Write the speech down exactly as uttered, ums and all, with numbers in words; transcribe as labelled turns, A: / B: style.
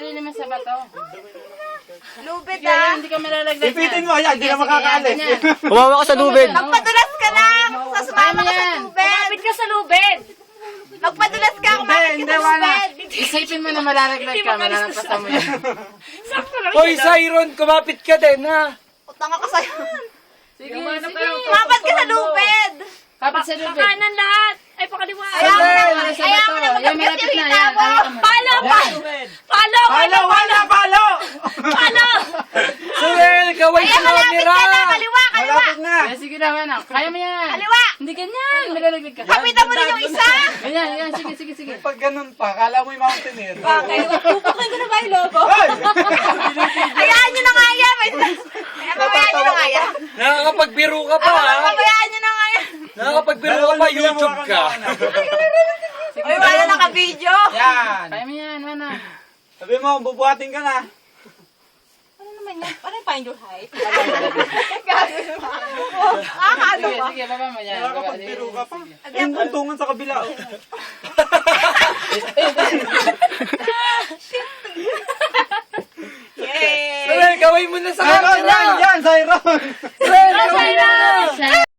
A: Tali naman sa bato.
B: Lubid
A: Kaya
B: ah.
A: hindi ka malalaglag
C: Ipitin mo, ayan, hindi na makakaalis.
D: Umawa ka sa lubid.
B: Magpadulas ka lang. Sa sumama ka sa
A: yan.
B: lubid.
E: Kapit ka sa lubid.
B: Magpadulas ka. Kumapit ka
C: hindi,
B: sa
C: wala.
B: lubid.
A: Isipin mo na malalaglag ka, malalampasan mo yan.
E: Sakto lang
D: Hoy,
E: siya.
D: Siron, kumapit ka din, ha?
B: Utang ako sa'yo.
A: Sige, sige.
B: Kumapit ka sa lubid.
A: Kapit sa lubid.
E: Pakanan lahat. Ay, pakaliwa.
B: Ayaw mo na.
A: Wala sa
B: Ayaw
A: bato.
B: mo na
A: Yan,
B: magkapit
A: malapit
B: yung
A: na
B: hita
A: yan.
B: mo.
A: Hawakan mo.
E: Palo, palo. Palo,
C: Palo, wala, palo!
E: palo.
D: Suel, kaway
B: Ayan,
D: sa
B: malapit
D: camera!
B: ka na. Kaliwa, kaliwa.
C: Malapit na.
A: Kaya sige na, anak. Kaya mo yan.
B: Kaliwa.
A: Hindi ganyan. Malalaglag ka.
B: Kapitan mo rin yung isa.
A: Ganyan, ganyan. Sige, sige, sige.
C: Pag ganun pa, kala mo yung mountaineer.
B: Bakit? Pupukin ko na ba yung lobo?
C: Hoy!
B: Hayaan nyo na nga yan. May- Ayan, Pabayaan nyo na nga yan.
D: Nakakapagbiro ka pa, ha?
B: Pabayaan nyo na nga yan.
D: Nakakapagbiro ka pa, YouTube ka.
B: Uy, wala naka-video.
C: Yan.
A: Kaya mo yan, mana.
C: Sabi mo, bubuhatin ka na.
B: Ano naman yan? Ano yung find your height? Gagawin mo. Ah, ano
A: Sige,
B: ba?
A: sige, baba mo yan. Baba,
C: Nakakapagbiro
A: sige.
C: ka pa. Yung untungan sa kabila. oh.
B: Yay!
D: Suel, kaway mo na sa
C: Siron,
D: camera!
C: yan, yan, Siron!
D: Suel, kaway mo na!